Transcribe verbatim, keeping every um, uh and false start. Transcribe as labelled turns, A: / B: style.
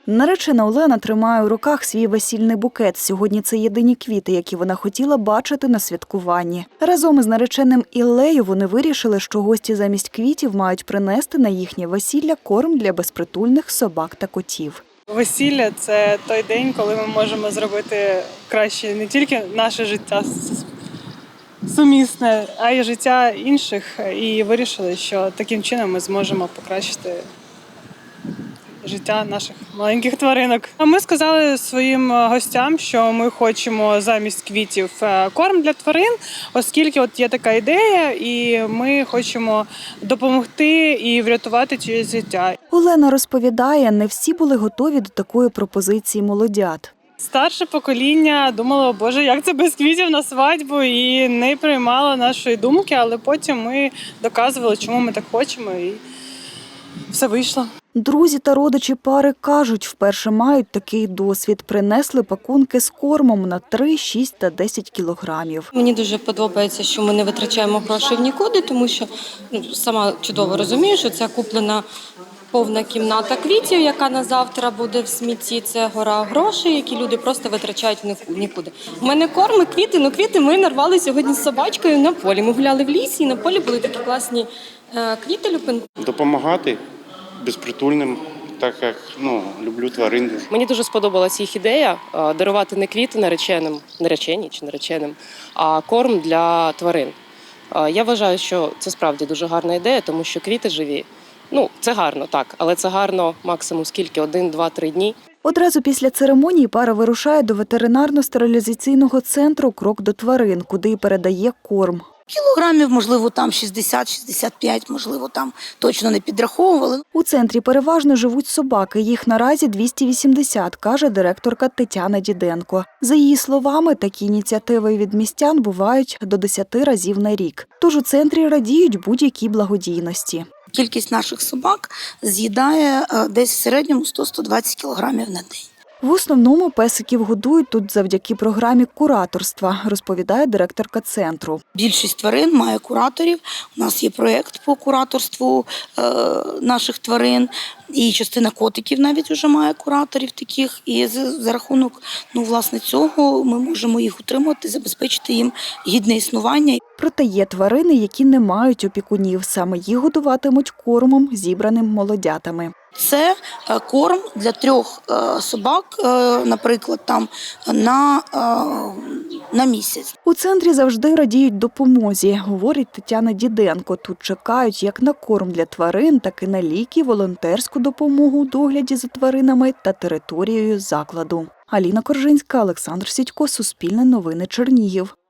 A: Наречена Олена тримає у руках свій весільний букет. Сьогодні це єдині квіти, які вона хотіла бачити на святкуванні. Разом із нареченим Іллею вони вирішили, що гості замість квітів мають принести на їхнє весілля корм для безпритульних собак та котів.
B: Весілля – це той день, коли ми можемо зробити краще не тільки наше життя сумісне, а й життя інших. І вирішили, що таким чином ми зможемо покращити життя наших маленьких тваринок. А ми сказали своїм гостям, що ми хочемо замість квітів корм для тварин, оскільки от є така ідея, і ми хочемо допомогти і врятувати чиєсь життя.
A: Олена розповідає, не всі були готові до такої пропозиції молодят.
B: Старше покоління думало, боже, як це без квітів на свадьбу, і не приймало нашої думки, але потім ми доказували, чому ми так хочемо, і все вийшло.
A: Друзі та родичі пари кажуть, вперше мають такий досвід. Принесли пакунки з кормом на три, шість та десять кілограмів.
C: Мені дуже подобається, що ми не витрачаємо гроші в нікуди, тому що ну, сама чудово розумію, що це куплена повна кімната квітів, яка на завтра буде в смітті. Це гора грошей, які люди просто витрачають в нікуди. У мене корм і квіти, ну квіти ми нарвали сьогодні з собачкою на полі. Ми гуляли в лісі, і на полі були такі класні е, квіти люпинки.
D: Допомагати безпритульним, так як ну, люблю тварин дуже.
E: Мені дуже сподобалася їх ідея дарувати не квіти нареченим, нареченій чи нареченим, а корм для тварин. Я вважаю, що це справді дуже гарна ідея, тому що квіти живі. Ну, це гарно, так, але це гарно максимум скільки? Один, два, три дні.
A: Одразу після церемонії пара вирушає до ветеринарно-стерилізаційного центру «Крок до тварин», куди й передає корм.
F: Кілограмів, можливо, там шістдесят - шістдесят п'ять, можливо, там точно не підраховували.
A: У центрі переважно живуть собаки. Їх наразі двісті вісімдесят, каже директорка Тетяна Діденко. За її словами, такі ініціативи від містян бувають до десяти разів на рік. Тож у центрі радіють будь-якій благодійності.
F: Кількість наших собак з'їдає десь в середньому сто - сто двадцять кілограмів на день.
A: В основному песиків годують тут завдяки програмі кураторства, розповідає директорка центру.
F: Більшість тварин має кураторів. У нас є проєкт по кураторству е, наших тварин. І частина котиків навіть вже має кураторів таких. І за, за рахунок ну, власне, цього ми можемо їх утримати, забезпечити їм гідне існування.
A: Проте є тварини, які не мають опікунів. Саме їх годуватимуть кормом, зібраним молодятами.
F: Це корм для трьох собак, наприклад, там на, на місяць.
A: У центрі завжди радіють допомозі, говорить Тетяна Діденко. Тут чекають як на корм для тварин, так і на ліки, волонтерську допомогу у догляді за тваринами та територією закладу. Аліна Коржинська, Олександр Сідько, Суспільне новини, Чернігів.